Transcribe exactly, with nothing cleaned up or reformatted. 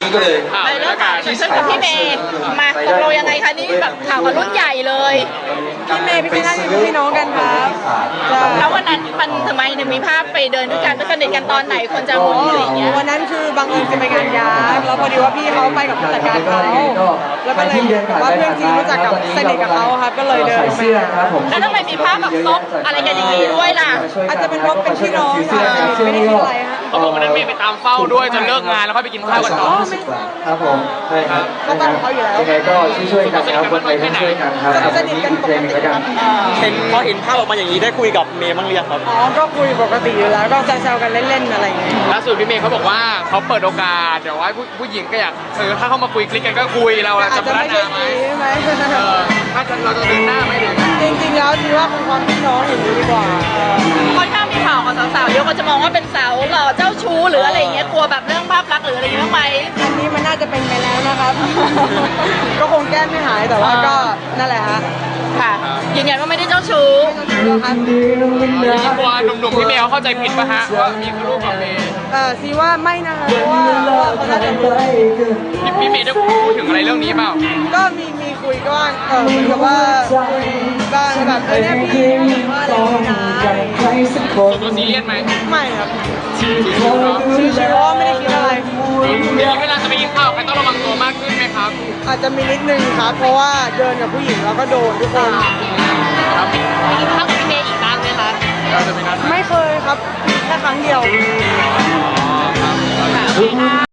ก็เลยไปเรื่องข่าวที่เกิดขึ้นกับพี่เมย์มาตกลงยังไงคะนี่แบบข่าวกับรุ่นใหญ่เลยพี่เมย์พี่พี่นั่นเป็นพี่น้องกันครับแล้ววันนั้นมันทำไมถึงมีภาพไปเดินด้วยกันไปสนิทกันตอนไหนคนจะรู้อะไรอย่างเงี้ยวันนั้นคือบังเอิญจะไปงานยาแล้วพอดีว่าพี่เขาไปกับผู้จัดการเขาแล้วก็เลยว่าเพื่อนซีรู้จักกับสนิทกับเขาครับก็เลยเดินมาแล้วทำไมมีภาพแบบซบอะไรกันอย่างนี้ด้วยล่ะอาจจะเป็นเพราะเป็นพี่น้องค่ะไม่ได้คิดอะไรฮะเขาบอกวันนั้นเมย์ไปตามเฝ้าด้วยจนเลิกงานแล้วค่อยไปกินข้าวกันต่อครับผมใช่ครับเขาตามเขาอยู่แล้วยังไงก็ช่วยๆกันนะครับคนไทยช่วยกันครับสนิทกันปกติครับเห็นพอเห็นภาพออกมาอย่างนี้ได้คุยกับเมย์บ้างหรือยังครับอ๋อก็คุยปกติอยู่แล้วก็แซวๆกันเล่นๆอะไรอย่างเงี้ยล่าสุดพี่เมย์เขาบอกว่าเขาเปิดโอกาสเดี๋ยวว่าผู้ผู้หญิงก็อยากเออถ้าเขามาคุยคลิกกันก็คุยเราอาจจะจะพัฒไม่ใช่นาไหมดีใช่ไหมเออถ้าเราจะเดินหน้าไหมหรือจริงๆแล้วดีว่าคงความพี่น้องอย่างนี้ดีกว่าค่อนข้างมีข่าวของสาวๆเยอะก็จะมองว่าเป็นสาวหล่อเจ้าชู้หรืออะไรอย่างเงี้ยกลัวแบบเรื่องภาพลักษณ์หรืออะไรอย่างเงี้ยไหมอันนี้มันน่าจะเป็นไปแล้วนะครับ ก็คงแก้ไม่หายแต่ว่าก็นั่นแหละฮะค่ะยืนยันว่าไม่ได้เจ้าชู้ครับพี่กลัวหนุ่มๆพี่เมย์เขาเข้าใจผิดป่ะฮะว่ามีลูกกับเมย์เออซีว่าไม่นะคะเพราะว่าเขาน่าจะรู้พี่พี่เมย์ได้พูดถึงอะไรเรื่องนี้เปล่าก็มีมีคุยก็ว่าเออเหมือนกับว่าก็แบบเออเนี่ยพี่ว่าอะไรนะส่วนตัวซีเรียสไหมไม่ครับชิวๆเนาะชิวๆว่าไม่ได้คิดอะไรเดี๋ยวเวลาจะไปกินข้าวใครต้องระวังตัวมากขึ้นไหมครับอาจจะมีนิดนึงครับเพราะว่าเดินกับผู้หญิงแล้วก็โดนทุกคนครับไปกินข้าวกับพี่เมย์อีกบ้างไหมคะไม่เคยครับแค่ครั้งเดียว